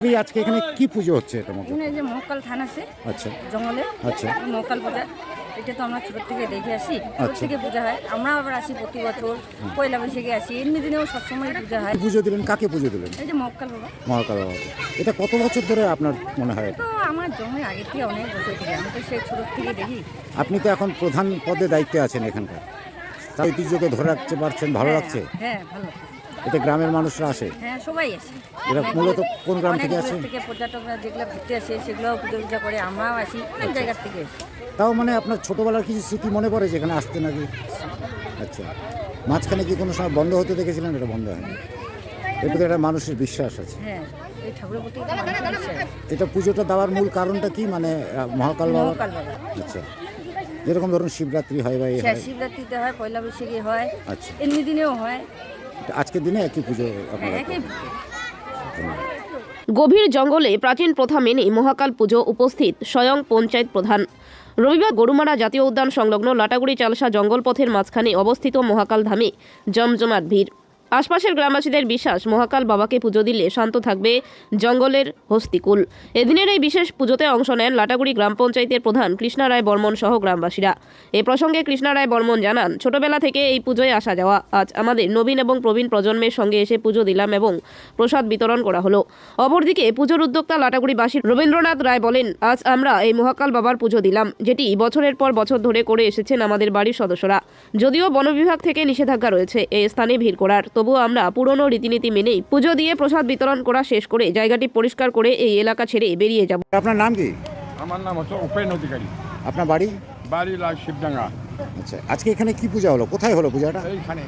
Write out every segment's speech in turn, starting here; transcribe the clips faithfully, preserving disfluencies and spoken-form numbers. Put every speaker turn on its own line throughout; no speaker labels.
এই আজকে এখানে কি পুজো হচ্ছে এটা মধ্যে?
এখানে যে মহাকাল থান আছে,
আচ্ছা
জঙ্গলে।
আচ্ছা
মহাকাল পূজা, এটা তো আমরা ছোট থেকে দেখে আসি, ছোট
আচ্ছা।
থেকে পূজা হয়। আমরা আবার আসি প্রতি বছর, পয়লা বৈশাখে আসি, এমনি দিনেও সবসময় পূজা হয়।
পুজো দিলেন, কাকে পুজো দিলেন?
এই যে মহাকাল বাবা।
মহাকাল বাবাকে। এটা কত বছর ধরে আপনার মনে হয়?
তো আমার জন্মের আগে থেকে অনেক বছর থেকে, আমি তো সেই ছোট থেকে দেখি।
আপনি তো এখন প্রধান পদে দায়িত্বে আছেন এখানকার, তার ঐতিহ্যকে ধরে রাখতে পারছেন, ভালো
হ্যাঁ,
লাগছে?
হ্যাঁ ভালো লাগছে।
এতে গ্রামের মানুষরা আসে?
হ্যাঁ সবাই আসে।
এরা
অনেক
মূলত কোন গ্রাম
অনেক
থেকে
দূর
আসে?
থেকে পর্যটকরা যেগুলো ঘুরতে আসে সেগুলোও পুজো পূজা করে, আমরাও আসি অনেক জায়গার থেকে আসি।
তাও মানে আপনার ছোটবেলার কিছু স্মৃতি মনে পড়ে যেখানে আসতে নাকি? আচ্ছা, মাঝখানে কি কোনো সময় বন্ধ হতে দেখেছিলেন? এটা বন্ধ হয়নি, এর প্রতি একটা মানুষের বিশ্বাস আছে।
হ্যাঁ, এই ঠাকুরের প্রতি একটা মানুষের বিশ্বাস আছে।
এটা পুজোটা দেওয়ার মূল কারণটা কি, মানে আহ, মহাকাল বাবা?
মহাকাল বাবা।
আচ্ছা, যেরকম ধরুন শিবরাত্রি হয় বা এই
হ্যাঁ,
হয়।
শিবরাত্রিতে হয়, পয়লা বৈশাখে হয়,
আচ্ছা,
এমনি দিনেও হয়।
এটা আজকের দিনে একই পুজো আপনারা
হ্যাঁ, একই
করেন?
গভীর জঙ্গলে প্রাচীন প্রথা মেনে মহাকাল পুজো উপস্থিত স্বয়ং পঞ্চায়েত প্রধান। রবিবার গরুমারা জাতীয় উদ্যান সংলগ্ন লাটাগুড়ি চালসা জঙ্গলপথের মাঝখানে অবস্থিত মহাকাল ধামে জমজমাট ভিড়। আশপাশের গ্রামবাসীদের বিশ্বাস, মহাকাল বাবাকে পুজো দিলে শান্ত থাকবে জঙ্গলের হস্তিকুল। এদিনের এই বিশেষ পুজোতে অংশ নেন লাটাগুড়ি গ্রাম পঞ্চায়েতের প্রধান কৃষ্ণা রায় বর্মন সহ গ্রামবাসীরা। এ প্রসঙ্গে কৃষ্ণা রায় বর্মন জানান, ছোটবেলা থেকে এই পুজোয় আসা যাওয়া, আজ আমাদের নবীন এবং প্রবীণ প্রজন্মের সঙ্গে এসে পুজো দিলাম এবং প্রসাদ বিতরণ করা হলো। অপরদিকে পুজোর উদ্যোক্তা লাটাগুড়িবাসী রবীন্দ্রনাথ রায় বলেন, আজ আমরা এই মহাকাল বাবার পুজো দিলাম, যেটি বছরের পর বছর ধরে করে এসেছেন আমাদের বাড়ির সদস্যরা। যদিও বন বিভাগ থেকে নিষেধাজ্ঞা রয়েছে এই স্থানে ভিড় করার, তবুও আমরা পুরনো রীতিনীতি মেনেই পুজো দিয়ে প্রসাদ বিতরণ করা শেষ করে জায়গাটি পরিষ্কার করে এই এলাকা ছেড়ে বেরিয়ে যাব।
আপনার নাম কি?
আমার নাম হচ্ছে উপেন অধিকারী।
আপনার বাড়ি?
বাড়ি লাল শিবডাঙ্গা।
আচ্ছা, আজকে এখানে কি পূজা হলো? কোথায় হলো পূজাটা?
এইখানে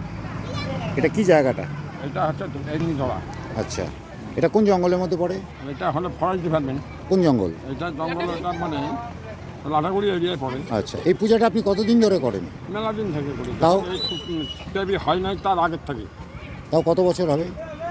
এটা কি জায়গাটা?
এটা হচ্ছে এমনিধরা।
আচ্ছা, এটা কোন জঙ্গলের মধ্যে পড়ে?
এটা হলো ফরেস্ট ডিপার্টমেন্ট।
কোন জঙ্গল?
এটা জঙ্গল, এটা মানে লাটাগুড়ি এরিয়ায় পড়ে।
আচ্ছা, এই পূজাটা আপনি কতদিন ধরে করেন?
মেলা দিন থেকে করি।
তাও?
দেবী হয় নাই তার আগের থেকে,
তাও কত বছর হবে?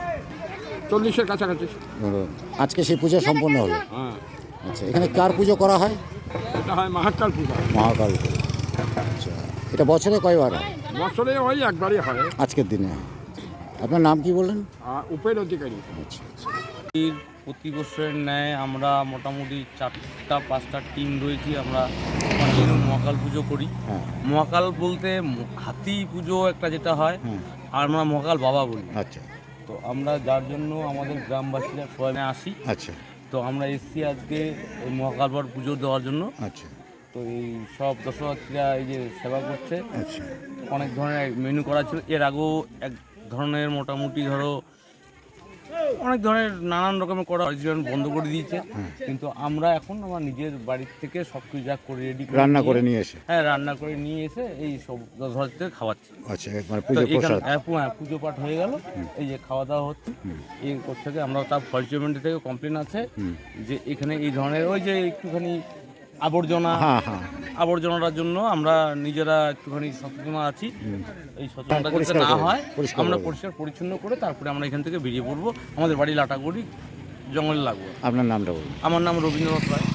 চল্লিশের কাছাকাছি।
ধরুন, আজকে সেই পূজা সম্পন্ন হলো।
হ্যাঁ,
আচ্ছা, এখানে কার পুজো করা হয়?
এটা হয় মহাকাল পূজা।
মহাকাল পুজো। আচ্ছা, এটা বছরে কয়বার হয়?
বছরে ওই একবারই হয়।
আজকের দিনে। আপনার নাম কি বললেন?
আর উপেন অধিকারী।
আচ্ছা আচ্ছা।
প্রতি বছরের ন্যায় আমরা মোটামুটি চারটা পাঁচটা টিম রয়েছি, আমরা কন্টিনিউ মহাকাল পুজো করি।
হ্যাঁ
মহাকাল বলতে ম- হাতি পুজো একটা যেটা হয়,
হ্যাঁ।
আর আমরা মহাকাল বাবা বলি।
আচ্ছা
তো আমরা যার জন্য আমাদের গ্রামবাসীরা সবাই আসি।
আচ্ছা
তো আমরা এসছি আজকে এই মহাকাল বাবার পুজো দেওয়ার জন্য।
আচ্ছা
তো এই সব দর্শনার্থীরা এই যে সেবা করছে,
আচ্ছা
অনেক ধরনের মেনু করা ছিল। এর আগেও এক ধরনের মোটামুটি ধরো অনেক ধরনের নানান রকমের করা হয়েছিল, বন্ধ করে দিয়েছে। কিন্তু আমরা এখন আমার নিজের বাড়ির থেকে সব কিছু যা করে রেডি
রান্না করে নিয়ে এসে?
হ্যাঁ, রান্না করে নিয়ে এসে এই সব দর্শনার্থীদের খাওয়াচ্ছি।
আচ্ছা, মানে
তো
পুজো
এখানে
প্রসাদ।
হ্যাঁ, পু- হ্যাঁ, পুজো পাঠ হয়ে গেল, এই যে খাওয়া দাওয়া হচ্ছে। এই করতে থেকে আমরা তার ফরেস্ট ডিপার্টমেন্ট থেকে কমপ্লেন আছে যে এখানে এই ধরনের ওই যে একটুখানি আবর্জনা
হ্যাঁ হ্যাঁ
আবর্জনাটার জন্য আমরা নিজেরা একটুখানি সচেতন আছি। এই সচেতনতা যাতে
পরিষ্কার
না
করে,
হয়,
পরিষ্কার
আমরা
করে।
পরিষ্কার পরিচ্ছন্ন করে তারপরে আমরা এখান থেকে বেরিয়ে পড়বো। আমাদের বাড়ি লাটাগুড়ি জঙ্গলে লাগবো।
আপনার নামটা বলুন।
আমার নাম রবীন্দ্রনাথ রায়।